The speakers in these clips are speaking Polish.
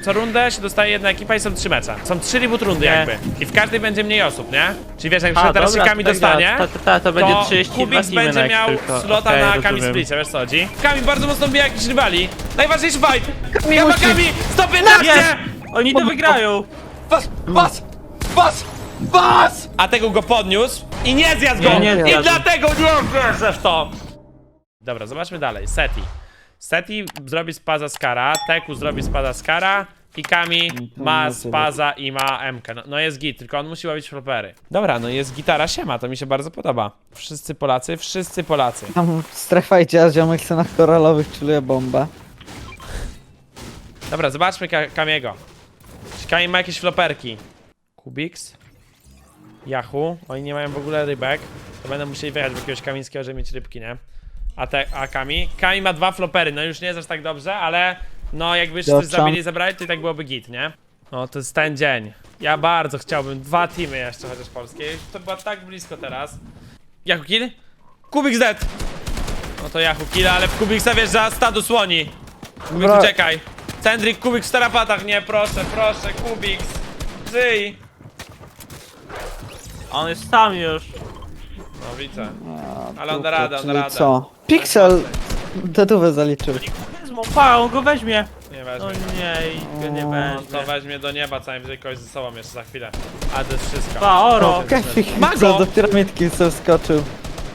co rundę się dostaje jedna ekipa i są 3 mecze. Są 3 reboot rundy jakby. I w każdej będzie mniej osób, nie? Czyli wiesz, jak się teraz się Kami dostanie, to będzie 32 Kubiks teamy będzie miał tylko. slota Okej, na rozumiem. Kami Splicie, wiesz co chodzi? Kami bardzo mocno bije jakichś rywali. Najważniejszy fight! Kami Gamma musi. Kami! 115! Jest! Oni to wygrają! Bas! A tego go podniósł i nie zjadł go! Nie I zjadł. dlatego nie wierzę w to! Dobra, zobaczmy dalej. Seti zrobi spaza Skara, Teku zrobi spaza Skara i Kami ma spaza i ma MK. No jest git, tylko on musi łapić flopery. Dobra, no jest gitara siema, to mi się bardzo podoba. Wszyscy Polacy. Tam strefa idzie, a ziomek chce na koralowych czuluje bombę. Dobra, zobaczmy Kamiego. Czy Kami ma jakieś floperki? Kubiks? Yahoo? Oni nie mają w ogóle rybek. To będą musieli wyjechać w jakiegoś kamińskiego, żeby mieć rybki, nie? A Kami? Kami ma 2 flopery, no już nie jest aż tak dobrze, ale no jakby jeszcze coś zabili i zabrali, to i tak byłoby git, nie? No to jest ten dzień. Ja bardzo chciałbym 2 teamy jeszcze chociaż polskie. To była tak blisko teraz. Yahoo kill? Kubiks dead! No to Yahoo kill, ale w Kubiksa wjeżdża stadu słoni. Kubiks Bra- uciekaj. Cendrik, Kubiks w tarapatach, nie, proszę, Kubiks. Żyj! On jest sam już. No widzę. Ale on da radę, Czyli co? Pixel dedówę zaliczył. Wezmą, pa, on go weźmie. Nie No weźmie. nie, i go nie No będzie. to weźmie do nieba, co najwyżej kogoś ze sobą jeszcze za chwilę. A to jest wszystko. Pa, oro. Kefik Mago! co do piramidki sobie wskoczył.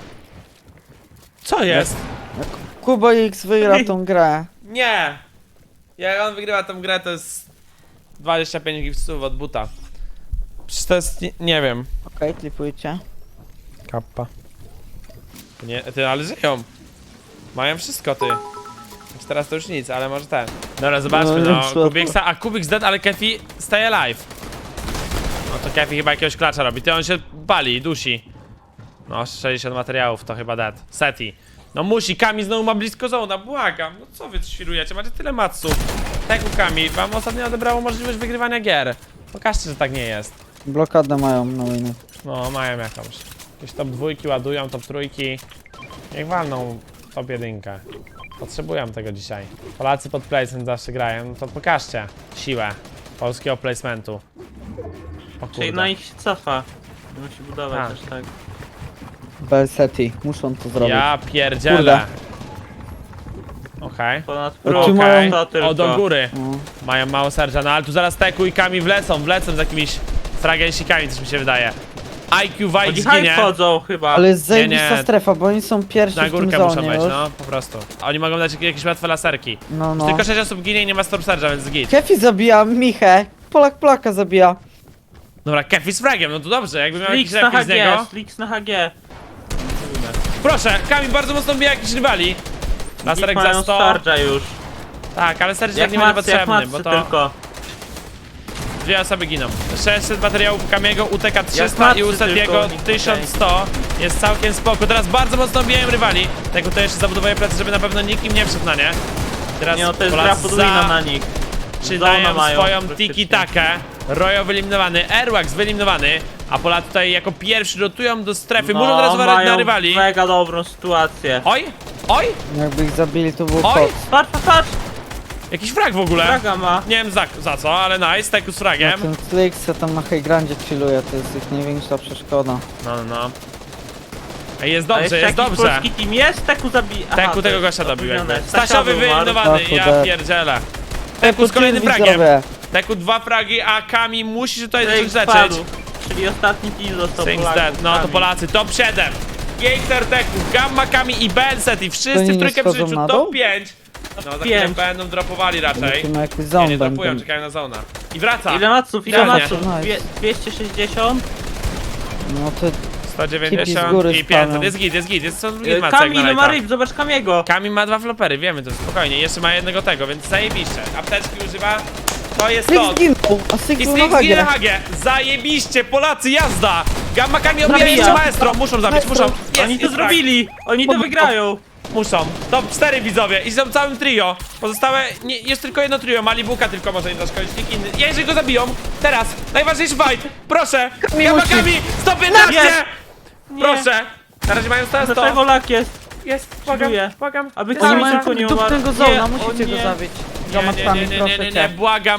Co jest? Kubo X wygra tą grę. Nie! Jak on wygrywa tę grę, to jest 25 gipsów od buta. Przecież to jest, nie wiem. Okej, klipujcie. Kappa. Nie, ty, ale żyją. Mają wszystko, ty. Znaczy teraz to już nic, ale może ten. Dobra, zobaczmy, No, no. słabo. Kubiksa, a Kubiks dead, ale Kefi stay alive. No to Kefi chyba jakiegoś klacza robi. Ty, on się pali, dusi. No, 60 materiałów to chyba dead. Seti. No musi, Kami znowu ma blisko zona, błagam. No co wy świrujecie? Macie tyle matsów. Tak u Kami, wam ostatnio odebrało możliwość wygrywania gier. Pokażcie, że tak nie jest. Blokadę mają na winy. No, mają jakąś. Jakieś top 2 ładują, top 3. Niech walną top 1. Potrzebują tego dzisiaj. Polacy pod placement zawsze grają, no to pokażcie siłę polskiego placementu. O Czyli kurde. na nich się cofa. Musi budować Tak. aż tak. Belseti, muszą to zrobić. Ja pierdzielę. Okej. Ponad Czy próg, mają- to tylko. O, do góry. No. Mają mało serca, no ale tu zaraz Teku i Kami wlecą z jakimiś fragensikami, coś mi się wydaje. IQ White Oni high zginie. wchodzą chyba. Ale jest zajebista nie. strefa, bo oni są pierwsi Na w tym górkę muszą zonie wejść, już. no, po prostu. Oni mogą dać jakieś łatwe laserki. No. Tylko 6 osób ginie i nie ma Storm Surge'a, więc git. Kefi zabija Michę. Polaka zabija. Dobra, Kefi z fragiem, no to dobrze, jakby miał jakiś Flix na refil z niego. HG, Flix na HG. Proszę, Kami bardzo mocno bije jakichś rywali. Laserek Mają za 100. Starge'a już. Tak, ale Serge tak Jak nie będzie matcy, jak potrzebny, matcy bo to tylko. 2 osoby giną. 600 materiałów Kamiego, UTK 300 matcy i u Setiego tylko, 1100. Jest całkiem spoko. Teraz bardzo mocno bijają rywali. Tego to jeszcze zabudowuję plecy, żeby na pewno nikim nie wszedł na nie. Teraz Nie no, to jest gra Polacy podwójna na nich. zaczynają Zona mają swoją praktycznie. tiki-takę. Royo wyeliminowany, Airwax wyeliminowany, a Polacy tutaj jako pierwsi rotują do strefy. Muszą teraz uważać na mają rywali. mega dobrą sytuację. Oj! Oj! Jakby ich zabili, to był Oj! kot. Patrz! Jakiś frag w ogóle. Draga ma. Nie wiem za co, ale nice, Teku z fragiem. Ten Flix co tam na high grandzie chilluje, to jest ich największa przeszkoda. No. Ej, jest A dobrze, jeszcze jest jakiś dobrze. polski team jest? Teku zabija. Teku tego gościa dobił jakby. Stasiowy Stasiowy wyeliminowany, Stachu ja dead. pierdzielę. Teku z kolejnym fragiem. Widzowie. Teku 2 fragi, a Kami musi się tutaj Flix zacząć spadł. leczyć. Czyli ostatni team został Things Polaków. dead, no to Polacy, top 7. Gator Teku, Gamma Kami i Benset i wszyscy oni w nie trójkę schodzą przyczu na top dół? 5. No za chwilę 5. będą dropowali raczej. Tu na jakiś Nie, zombie nie dropują, będą. czekają na zona. I wraca. Ile maców? Ile Pewnie. maców? Nice. 260? No to 190 z góry i 500, spaną. jest co drugi macek Kami, na ile ma lajta. ryb? Zobacz Kamiego. Kami ma 2 flopery, wiemy to spokojnie, jeszcze ma jednego tego, więc zajebiście. Apteczki używa, to jest Flix to. zginął, a I Siglu Strix na ginie hagie. Hage, zajebiście, Polacy, jazda! Gamma Kami obija Zabija. jeszcze maestro, muszą zabić, muszą. Jest, Oni to jest zrobili! Oni to wygrają! Muszą. Top 4 widzowie i są całym trio. Pozostałe, nie, jest tylko jedno trio, Malibuka tylko może nie zaszkodzić, nikt inny. Jeżeli go zabiją, teraz, najważniejszy fight, proszę! Gamma musi. Kami, 115! Jest. Proszę! Na razie mają 100. Dlaczego lak jest? Jest, błagam, Czuję. błagam. Aby Jest Oni Kami szansa. mają tylko nie dupnego umarł. zona, Nie, musicie o go nie. zabić. Nie, Gamatami, nie, proszę cię. błagam.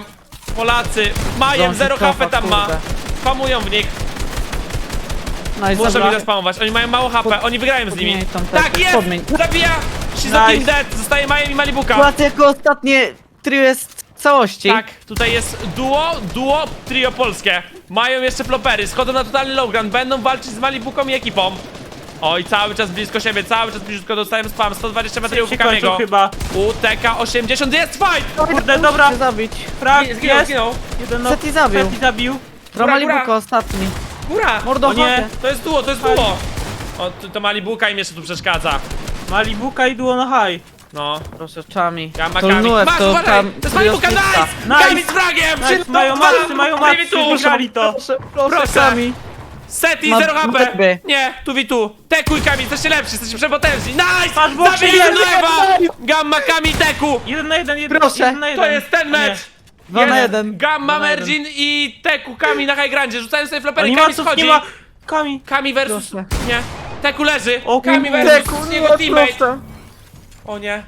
Polacy, Majem, 0 HP tam ma. Spamują w nich. No i Muszę dobra. mi zaspamować, oni mają mało HP, oni wygrają z nimi. Podmień tam te- Tak jest! podmień. Zabija! Shizokin Nice. dead, zostaje Majem i Malibuka. Płacę jako ostatnie trio jest w całości. Tak, tutaj jest duo, trio polskie. Mają jeszcze flopery, schodzą na totalny lowground, będą walczyć z Malibuką i ekipą. Oj, cały czas blisko siebie, cały czas blisko dostałem spam, 120 metrów Się kończył Kamiego. chyba. UTK 80, jest fight! Kurde, dobra. Chcę zabić. Frag Zginął, jest. zginął. Jeden no. Seti zabił. Seti zabił. Malibuka ostatni. Góra! Mordo, O nie. chodź. To jest duo, to jest duo! O, to Malibuka im jeszcze tu przeszkadza. Malibuka i duo na high. No. Proszę, Chami. Gamma To Kami. Nuek, Masz, to uważaj! tam To jest Malibuka, trio nice! szóstka. Kami z fragiem! Nice, mają macy, mają macy, wygrali to. Proszę. Chami. Seti, Ma 0 HP! dupy. Nie, tu witu! Teku i Kami, jesteście lepsi, jesteście przepotężni! Nice! Masz boksie, Zabili jest, Nuewa! Gamma Kami Teku! 1 na 1, Proszę. 1 na 1. To jest ten mecz! 2 na Jest 1. Gamma, Dwa na jeden. Mergin i Teku Kami na high grandzie, rzucają sobie flopery, Kami Animaców schodzi! nie ma. Kami. Kami versus... Proszę. Nie. Teku leży! O Kami kurde. versus jego teammate! proszę. O nie.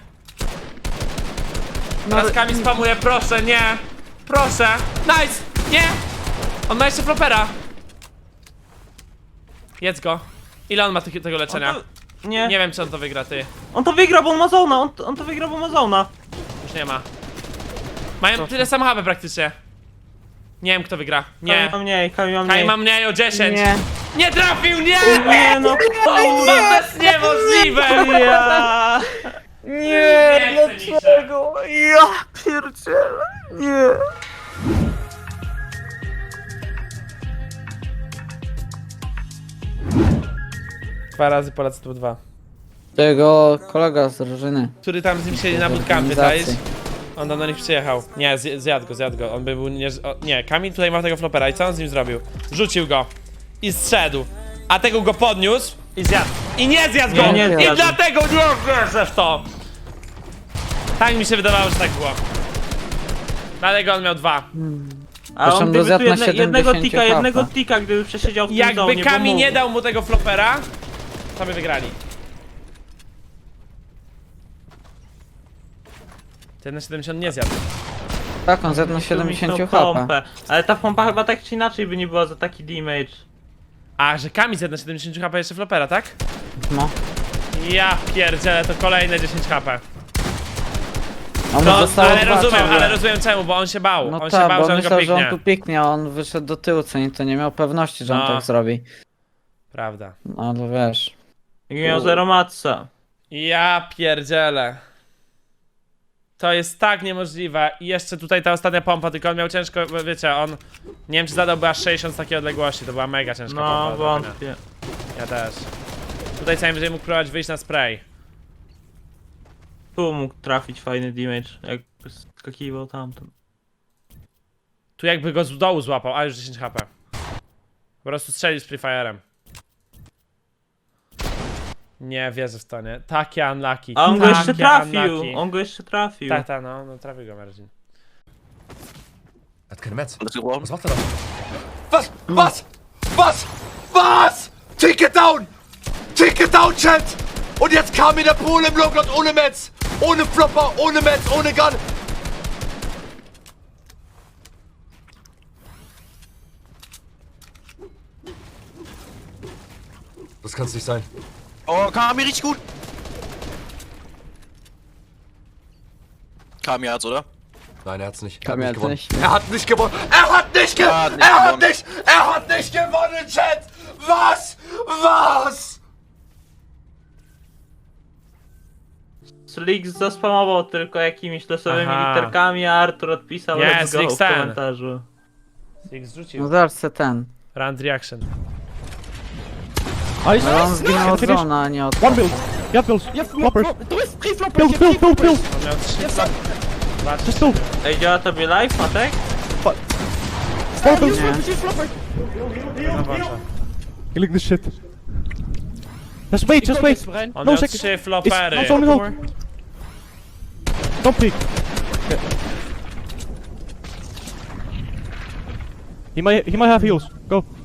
No, Teraz Kami spamuje, proszę, nie! Proszę! Nice! Nie! On ma jeszcze flopera! Jedz go. Ile on ma tego leczenia? Nie. Nie wiem, czy on to wygra, ty. On to wygra, bo on ma zona. On to wygra, bo ma zona. Już nie ma. Mają tyle samo HP praktycznie. Nie wiem, kto wygra. Nie. Kami ma mniej, Kami ma mniej. Kai ma mniej o 10. Nie. Nie trafił, nie! Nie no. Kurwa, to jest niemożliwe! Ja. Nie, Nie chcę mi się. dlaczego? Ja pierdzielę. Nie. Dwa razy Polacy tu 2. Tego kolega z drużyny. Który tam z nim siedzi na bootcampie, Organizacji. czaisz? On tam do nich przyjechał. Nie, zjadł go. On by był nie... nie, Kamil tutaj ma tego flopera i co on z nim zrobił? Rzucił go. I zszedł. A tego go podniósł i zjadł. I nie zjadł go! Nie I zjadł. dlatego nie wierzę w to! Tak mi się wydawało, że tak było. Dlatego on miał 2. A Zresztą on gdyby dozjadł tu na jednego 70 tika, jednego hapa. tika, gdyby przesiedział w tym Jakby zonie, bo Kami nie mógł. dał mu tego flopera, to by wygrali. Ten na 70 nie zjadł. Tak, on zjadł na Tu 70 tą HP. pompę. Ale ta pompa chyba tak czy inaczej by nie była za taki damage. A, że Kami zjadł na 70 HP jeszcze flopera, tak? No. Ja pierdzielę, to kolejne 10 HP. On No, został ale dwa rozumiem, ciągle. ale rozumiem czemu, bo on się bał. No On się tak, bał, bo że on go myślał, że on piknie. tu piknie, a on wyszedł do tyłu, co nie, to nie miał pewności, że on No. tak zrobi. Prawda. No ale wiesz. Jak miał zero matca. Ja pierdzielę. To jest tak niemożliwe. I jeszcze tutaj ta ostatnia pompa, tylko on miał ciężko, wiecie, on... Nie wiem, czy zadałby aż 60 z takiej odległości, to była mega ciężka pompa. No, do trafienia. wątpię. Ja też. Tutaj co najwyżej mógł próbować wyjść na spray. Tu mógł trafić fajny damage, jak skakiwał tamten. Tu jakby go z dołu złapał, a już 10 HP. Po prostu strzelił z Free Fire'em. Nie wierzę w to, nie? Takie unlucky. A on go jeszcze takie trafił! unlucky. On go jeszcze trafił. Tak, tak, no trafił go Mergin. Hat keine Metz. Das geworden. Was macht er da? Was? Was? Was? Was? Ticket down! Ticket down, Chat! Und jetzt kam mir der Pole im Lowground ohne Metz! Ohne Flopper, ohne Metz, ohne Gun! Das kann's nicht sein. Oh, Kami richtig gut. Kami hat's, oder? Nein, er hat's nicht. Kam er jetzt hat nicht nicht. gewonnen. Er hat nicht gewonnen! Er hat nicht Er hat gewonnen! nicht Er hat gewonnen. nicht! Er hat nicht gewonnen, Chat! Was? Was? Slik zaspamował tylko jakimiś losowymi Aha. literkami, a Artur odpisał Yes, let's go Slik w Stan. komentarzu. Six No zrzucił. zaraz se ten. Round reaction. Ale on zginął od zona, a nie od... One build. Yeah, build. Floppers. Build, build, build, build. On miał 3. Just two. Ej, działa tobie live, Matek? Four builds. Nie. Killing this shit. Just wait, just wait. On No miał second. 3 flopery. It's on the Don't peek. He might have heals. Go.